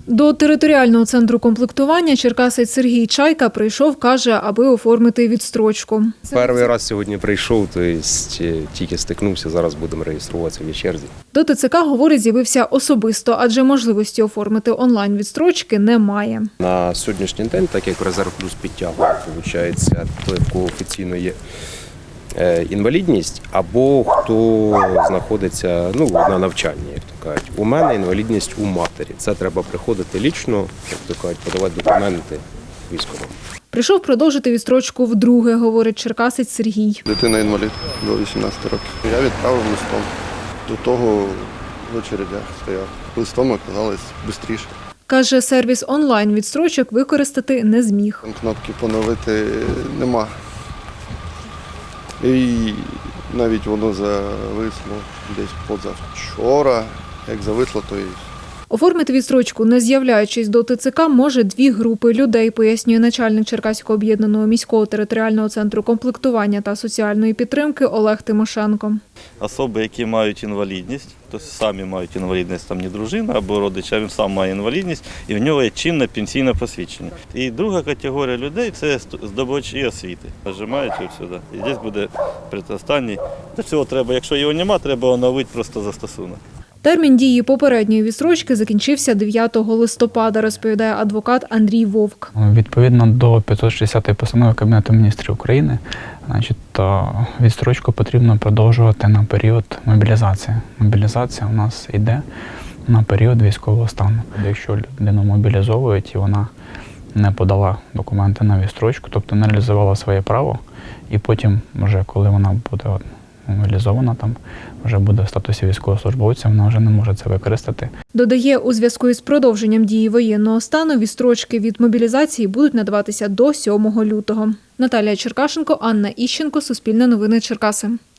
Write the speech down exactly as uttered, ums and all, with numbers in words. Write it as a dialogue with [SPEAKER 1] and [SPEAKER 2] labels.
[SPEAKER 1] До територіального центру комплектування черкасець Сергій Чайка прийшов, каже, аби оформити відстрочку.
[SPEAKER 2] Перший раз сьогодні прийшов, тобто тільки стикнувся, зараз будемо реєструватися в черзі.
[SPEAKER 1] До ТЦК, говорить, з'явився особисто, адже можливості оформити онлайн-відстрочки немає.
[SPEAKER 2] На сьогоднішній день, так як Резерв Плюс підтягує, виходить, той, в кого офіційно є інвалідність, або хто знаходиться ну, на навчанні, як то кажуть. У мене інвалідність у матері. Це треба приходити лічно, як то кажуть, подавати документи військовим.
[SPEAKER 1] Прийшов продовжити відстрочку вдруге, говорить черкасець Сергій.
[SPEAKER 3] Дитина інвалід до вісімнадцяти років. Я відправив листом. До того в очередях стояв. Листом оказалось швидше.
[SPEAKER 1] Каже, сервіс онлайн-відстрочок використати не зміг.
[SPEAKER 3] Кнопки поновити нема. І навіть воно зависло десь позавчора. Як зависло, то і
[SPEAKER 1] Оформити відстрочку, не з'являючись до ТЦК, може дві групи людей, пояснює начальник Черкаського об'єднаного міського територіального центру комплектування та соціальної підтримки Олег Тимошенко.
[SPEAKER 4] Особи, які мають інвалідність, тобто самі мають інвалідність, там не дружина або родич, а він сам має інвалідність, і в нього є чинне пенсійне посвідчення. І друга категорія людей – це здобувачі освіти. Нажимаєте сюди, і тут буде предостанній. До цього треба, якщо його немає, треба оновити просто застосунок.
[SPEAKER 1] Термін дії попередньої відстрочки закінчився дев'ятого листопада, розповідає адвокат Андрій Вовк.
[SPEAKER 5] Відповідно до п'ятсот шістдесятої постанови Кабінету міністрів України, значить, відстрочку потрібно продовжувати на період мобілізації. Мобілізація у нас йде на період військового стану. Якщо людину мобілізовують і вона не подала документи на відстрочку, тобто не реалізувала своє право, і потім, вже коли вона буде мобілізована, там вже буде в статусі військовослужбовця, вона вже не може це використати.
[SPEAKER 1] Додає, у зв'язку із продовженням дії воєнного стану відстрочки від мобілізації будуть надаватися до сьомого лютого. Наталія Черкашенко, Анна Іщенко, Суспільне новини Черкаси.